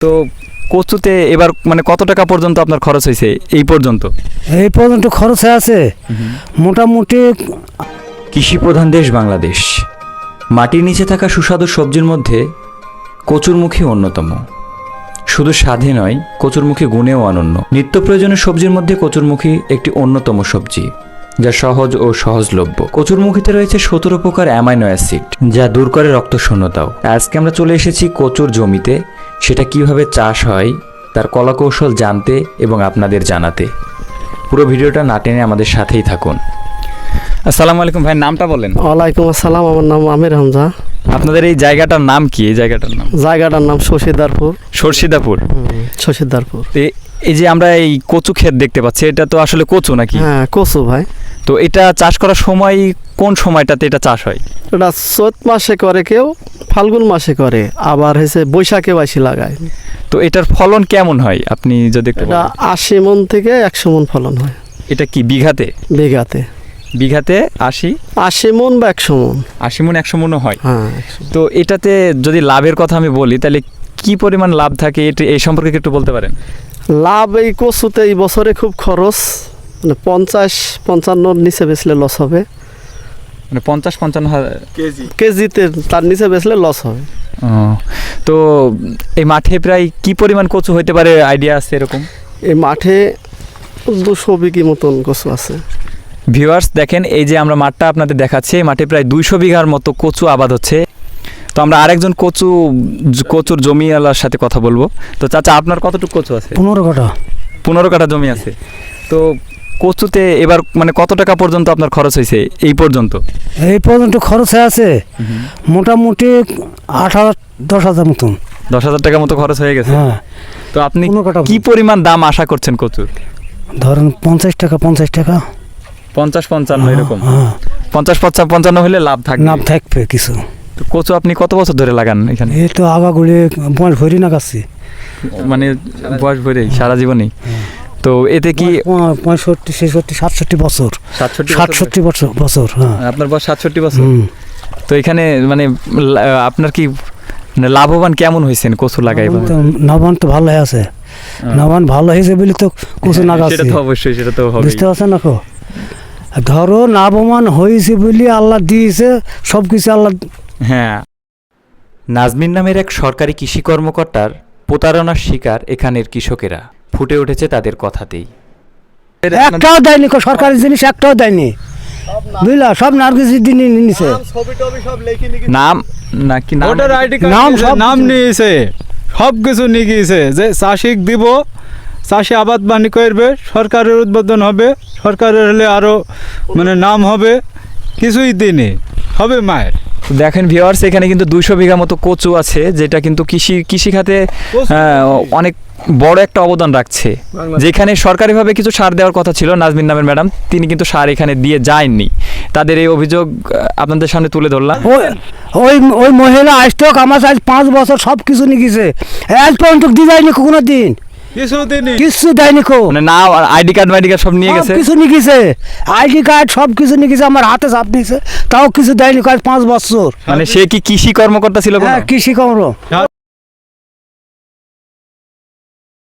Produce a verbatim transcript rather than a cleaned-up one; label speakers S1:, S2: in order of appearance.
S1: তো কচুতে এবার মানে কত টাকা পর্যন্ত আপনার খরচ হয়েছে এই পর্যন্ত?
S2: এই পর্যন্ত খরচ হয়ে আছে মোটামুটি।
S1: কৃষি প্রধান দেশ বাংলাদেশ। মাটির নিচে থাকা সুস্বাদু সবজির মধ্যে কচুরমুখী অন্যতম। শুধু স্বাদে নয়, কচুরমুখী গুণেও অনন্য। নিত্য প্রয়োজনীয় সবজির মধ্যে কচুরমুখী একটি অন্যতম সবজি, যা সহজ ও সহজলভ্য। কচুরমুখীতে রয়েছে সতেরো প্রকার অ্যামাইনো অ্যাসিড, যা দূর করে রক্ত শূন্যতাও। আজকে আমরা চলে এসেছি কচুর জমিতে। সেটা কিভাবে চাষ হয় তার কলাকৌশল জানতে এবং আপনাদের জানাতে। পুরো ভিডিওটা না টেনে আমাদের সাথেই থাকুন। আসসালামু আলাইকুম ভাই, নামটা বলেন।
S3: ওয়ালাইকুম আসসালাম, আমার নাম আমির হামজা।
S1: আপনাদের এই জায়গাটার নাম কি? এই জায়গাটার নাম
S3: জায়গাটার নাম শশীদারপুর।
S1: সর্ষিদাপুর।
S3: শশীদারপুর।
S1: এ- এই যে আমরা এই কচু ক্ষেত দেখতে পাচ্ছি, এটা তো আসলে কচু নাকি?
S3: হ্যাঁ, কচু ভাই।
S1: তো এটা চাষ করার সময় কোন সময়টাতে এটা চাষ হয়?
S3: এটা চৈত মাসে করে, কেউ ফাল্গুন মাসে করে, আবার হয়েছে বৈশাখে বাসি লাগায়।
S1: তো এটার ফলন কেমন হয় আপনি যদি একটু
S3: এটা
S1: বলেন?
S3: আশি মন থেকে একশো মন ফলন হয়
S1: এটা কি বিঘাতে?
S3: বিঘাতে
S1: বিঘাতে আশি
S3: আশি মন বা একশো মন।
S1: আশি মন একশো মনও হয়।
S3: হ্যাঁ, একশো।
S1: তো এটাতে যদি লাভের কথা আমি বলি, তাহলে কি পরিমাণ লাভ থাকে এটা এই সম্পর্কে একটু বলতে পারেন?
S3: লাভ এই কচুতে এই বছরে খুব খরচ, মানে পঞ্চাশ পঞ্চান্নর নিচে বেচলে লস হবে।
S1: মানে পঞ্চাশ পঞ্চান্ন হাজার
S3: কেজিতে তার নিচে বেচলে লস হবে।
S1: ও, তো এই মাঠে প্রায় কি পরিমাণ কচু হইতে পারে আইডিয়া আছে এরকম?
S3: এই মাঠে দুশো বিঘি মতন কচু আছে।
S1: ভিউয়ার্স দেখেন, এই যে আমরা মাঠটা আপনাদের দেখাচ্ছি, এই মাঠে প্রায় দুইশো বিঘার মতো কচু আবাদ হচ্ছে। তো আমরা আরেকজন কচু কচুর জমিওয়ালার সাথে কথা বলবো। তো চাচা, আপনার কতটুকু কচু আছে?
S2: পনেরো কাঠা।
S1: পনেরো কাঠা জমি আছে। তো কচুতে এবার মানে কত টাকা পর্যন্ত আপনার খরচ হয়েছে এই পর্যন্ত?
S2: এই পর্যন্ত খরচ হয়ে আছে মোটামুটি আট হাজার দশ হাজার মতন।
S1: দশ হাজার টাকা মতো খরচ হয়ে গেছে।
S2: হ্যাঁ,
S1: তো আপনি
S2: পনেরো কাঠা।
S1: কি পরিমাণ দাম আশা করছেন কচুর?
S2: ধরেন পঞ্চাশ টাকা পঞ্চাশ টাকা
S1: পঞ্চাশ পঞ্চান্ন এরকম?
S2: হ্যাঁ,
S1: পঞ্চাশ পঞ্চাশ পঞ্চান্ন হলে লাভ থাকবে।
S2: নাম থাকবে কিছু।
S1: তো কচু আপনি কত বছর ধরে লাগান এখানে?
S2: এই তো আগাগুলি বয়স ভরি না গাছি।
S1: মানে বয়স ভরেই সারা জীবনই? তো এতে কি
S2: পঁয়ষট্টি ছেষট্টি সাতষট্টি বছর
S1: সাতষট্টি
S2: সাতষট্টি বছর বছর হ্যাঁ।
S1: আপনার বয়স সাতষট্টি বছর?
S2: হুম।
S1: তো এখানে মানে লা- আপনার কি মানে লাভবান কেমন হয়েছেন কচু লাগাই?
S2: তো নবান তো ভালো হয়ে আছে। নবান ভালো হয়েছে বলে তো কুচু না গাছ।
S1: সেটা তো অবশ্যই, সেটা তো হবে।
S2: বুঝতে পারছেন না কো? ধরো লাভবান হয়েছে বলে আল্লাহ দিয়েছে সব কিছু আল্লাহ।
S1: হ্যাঁ। নাজমিন নামের এক সরকারি কৃষি কর্মকর্তার প্রতারণার শিকার এখানের কৃষকেরা। ফুটে উঠেছে তাদের কথাতেই।
S2: একটাও দেয়নি কো, সরকারি জিনিস একটাও দেয়নি বুঝলা, সব নার্গিসের দিনই নিছে।
S1: নাম নাকি নাম?
S4: ভোটার আইডি
S2: নাম
S4: নাম
S2: সব
S4: নাম
S2: কিছু।
S4: নিয়েছে, সব কিছু নিয়ে গিয়েছে যে চাষিক দিব, চাষি আবাদ বাণী করবে, সরকারের উদ্বোধন হবে, সরকারের হলে আরো মানে নাম হবে, কিছুই দিনে হবে মায়ের।
S1: দেখেন ভিউয়ার্স, এখানে কিন্তু দুইশো বিঘা মতো কচু আছে, যেটা কিন্তু কৃষি কৃষি খাতে আহ, অনেক বড় একটা অবদান রাখছে। যেখানে সরকারিভাবে কিছু সার দেওয়ার কথা ছিল, নাজমিন নামের ম্যাডাম তিনি কিন্তু সার এখানে দিয়ে যায়নি। তাদের এই অভিযোগ আহ, আপনাদের সামনে তুলে ধরলাম।
S2: ওই ওই ওই মহিলা আসতো আমার আজ পাঁচ বছর সব কিছু নিয়েছে, আজ পর্যন্ত দিয়ে যায়নি কোনো দিন,
S4: কিছু দিনই
S2: কিছু দেয়নি কো।
S1: মানে না আইডি কার্ড মাইডি কার্ড সব নিয়ে গেছে।
S2: সব কিছু নিয়েছে, আইডি কার্ড সব কিছু নিয়েছে, আমার হাতে চাপ নিয়েছে, তাও কিছু দেয়নি আজ পাঁচ বছর।
S1: মানে সে কি কৃষি কর্মকর্তা ছিল কোনো?
S2: হ্যাঁ, কৃষি কর্ম।